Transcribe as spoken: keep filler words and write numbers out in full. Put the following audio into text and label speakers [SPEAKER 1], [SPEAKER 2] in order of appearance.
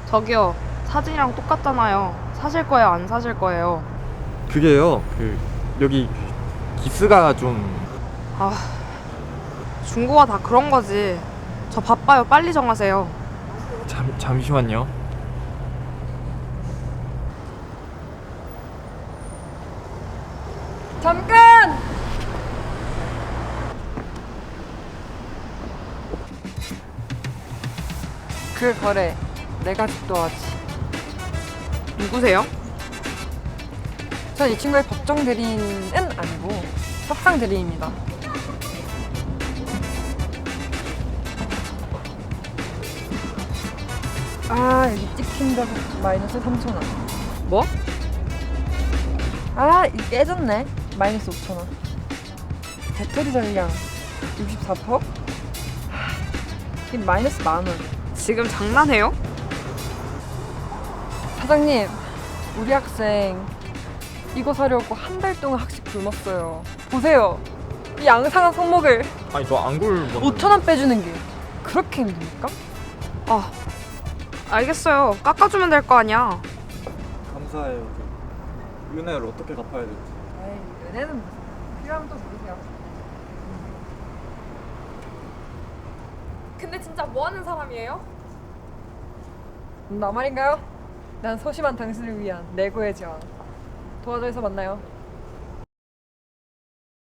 [SPEAKER 1] 저기요, 사진이랑 똑같잖아요. 사실 거예요, 안 사실 거예요?
[SPEAKER 2] 그게요, 그 여기 기스가 좀.
[SPEAKER 1] 아, 중고가 다 그런 거지. 저 바빠요. 빨리 정하세요.
[SPEAKER 2] 잠, 잠시만요.
[SPEAKER 3] 잠깐! 그 거래 내가 집도하지.
[SPEAKER 1] 누구세요?
[SPEAKER 3] 전 이 친구의 법정 대리인은 아니고 협상 대리인입니다. 아 여기 찍힌다고 마이너스 삼천 원.
[SPEAKER 1] 뭐?
[SPEAKER 3] 아 이거 깨졌네. 마이너스 오천 원. 배터리 전량 육십사 퍼센트? 이 마이너스 만 원.
[SPEAKER 1] 지금 장난해요?
[SPEAKER 3] 사장님, 우리 학생 이거 사려고 한 달 동안 학식 굶었어요. 보세요. 이 양상한 손목을
[SPEAKER 2] 아니 저 안 굴.
[SPEAKER 3] 오천 원 빼주는 게 그렇게 힘듭니까?
[SPEAKER 1] 아, 알겠어요. 깎아주면 될 거 아니야.
[SPEAKER 2] 감사해요. 그 은혜를 어떻게 갚아야 될지.
[SPEAKER 3] 에이, 은혜는 무슨 필요하면 또 모르세요.
[SPEAKER 1] 근데 진짜 뭐 하는 사람이에요?
[SPEAKER 3] 나 말인가요? 난 소심한 당신을 위한 내고의 제왕. 도와줘서 만나요.